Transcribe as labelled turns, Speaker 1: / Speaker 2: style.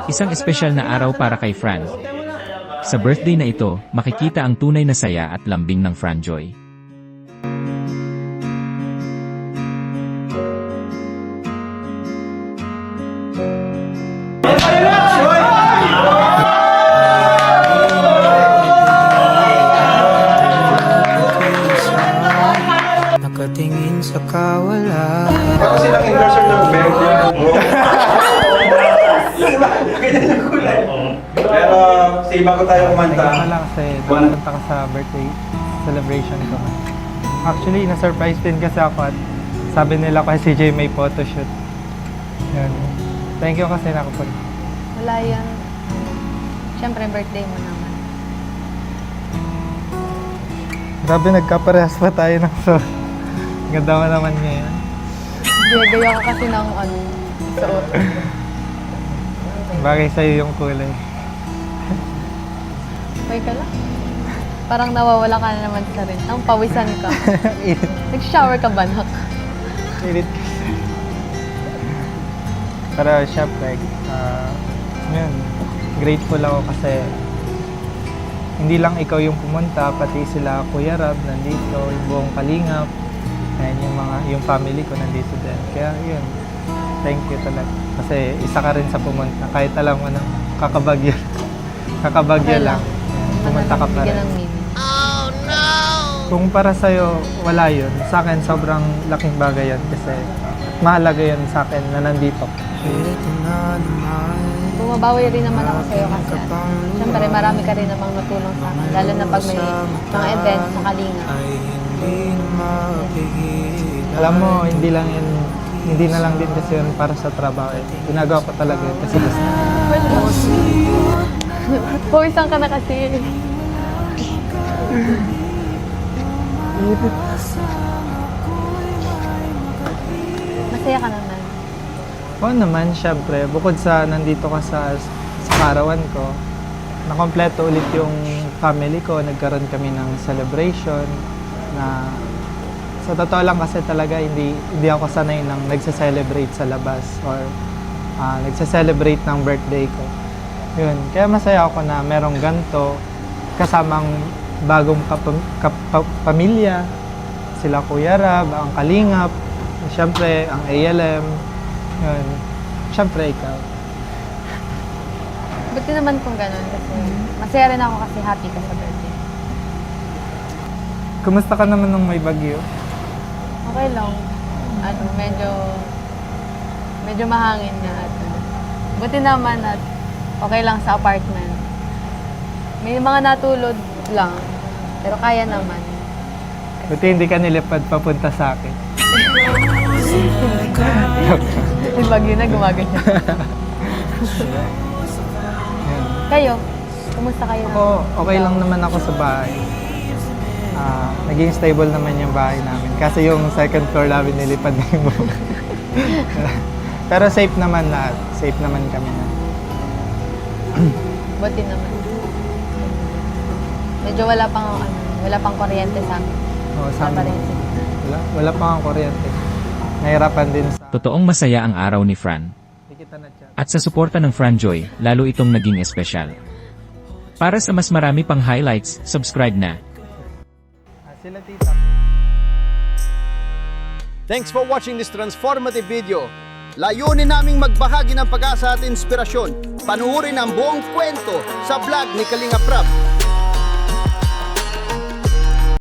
Speaker 1: Isang espesyal na araw para kay Fran. Sa birthday na ito, makikita ang tunay na saya at lambing ng Franjoy.
Speaker 2: Nakatingin sa kawalan.
Speaker 3: Ako silang endorser ng birthday. Pero sa iba ko tayo kumanta.
Speaker 4: Nagkama lang kasi pumunta ka sa birthday celebration ko. Actually, na-surprise din kasi ako at sabi nila kay CJ may photoshoot. Yan. Thank you kasi nakapunta.
Speaker 5: Wala yan. Siyempre, birthday mo naman.
Speaker 4: Grabe, nagkaparehas pa tayo ng so. Ganda mo naman ngayon.
Speaker 5: Gaya ka kasi ng suot.
Speaker 4: Bagay sa'yo yung kulay.
Speaker 5: Okay ka lang. Parang nawawala ka na naman sa rin. Ang pawisan ka. Nag-shower ka ba, nak?
Speaker 4: Pilit kasi. Pero syempre, yun, grateful ako kasi hindi lang ikaw yung pumunta, pati sila Kuya Rab nandito, yung buong Kalingap, and yung family ko nandito din. Kaya yun, thank you talaga. Kasi isa ka rin sa pumunta, kahit alam mo na kakabagyo. Kakabagyo
Speaker 5: Okay
Speaker 4: lang. Yan, pumunta ka pa rin.
Speaker 5: Bigyan ng meaning.
Speaker 4: Kung para sa'yo, wala yun. Sa akin, sobrang laking bagay yun kasi mahalaga yun sa akin na nandito.
Speaker 2: Ito na naman.
Speaker 5: Bumabawi rin naman ako sa'yo kasi siyempre marami ka rin namang natulong sa akin. Lalo na pag may mga events sa Kalinga.
Speaker 2: Ay hindi na mapigil.
Speaker 4: Alam mo, hindi na lang din kasi yun para sa trabaho. Ginagawa ko talaga yun kasi gusto.
Speaker 5: Pawisan ka na kasi. Masaya ka naman.
Speaker 4: Oo naman, syempre. Bukod sa nandito ka sa karawan ko, nakompleto ulit yung family ko. Nagkaroon kami ng celebration na sa totoo lang kasi talaga hindi ako sanay nang nagse-celebrate sa labas or nagse-celebrate ng birthday ko. Yun. Kaya masaya ako na merong ganito kasamang bagong pamilya. Sila Kuya Rab, ang Kalingap, syempre ang ALM. Yun. Siyempre, ikaw.
Speaker 5: Buti naman kung ganun kasi masaya rin ako kasi happy ka sa birthday.
Speaker 4: Kumusta ka naman nung may bagyo?
Speaker 5: Okay lang. Medyo mahangin na at buti naman at okay lang sa apartment. May mga natulog lang, pero kaya naman.
Speaker 4: Buti hindi ka nilipad papunta sa akin.
Speaker 5: Yung bagyo na gumaganyan. Kayo, kumusta kayo?
Speaker 4: Ako, okay lang naman ako sa bahay. Naging stable naman yung bahay namin. Kasi yung second floor namin nilipad na yung buong. Pero safe naman lahat. Safe naman kami na.
Speaker 5: Buti naman. Medyo wala pang kuryente sa amin.
Speaker 4: Oo, sa
Speaker 5: Wala pa
Speaker 4: amin.
Speaker 5: rin.
Speaker 4: Wala pa ang kuryente. Nahirapan din sa...
Speaker 1: Totoong masaya ang araw ni Fran.
Speaker 4: Hindi kita na-chat.
Speaker 1: At sa suporta ng Franjoy, lalo itong naging espesyal. Para sa mas marami pang highlights, subscribe na.
Speaker 4: Sila tita.
Speaker 6: Thanks for watching this transformative video. Layunin naming magbahagi ng pag-asa at inspirasyon. Panuorin ang buong kwento sa vlog ni Kalinga Prab.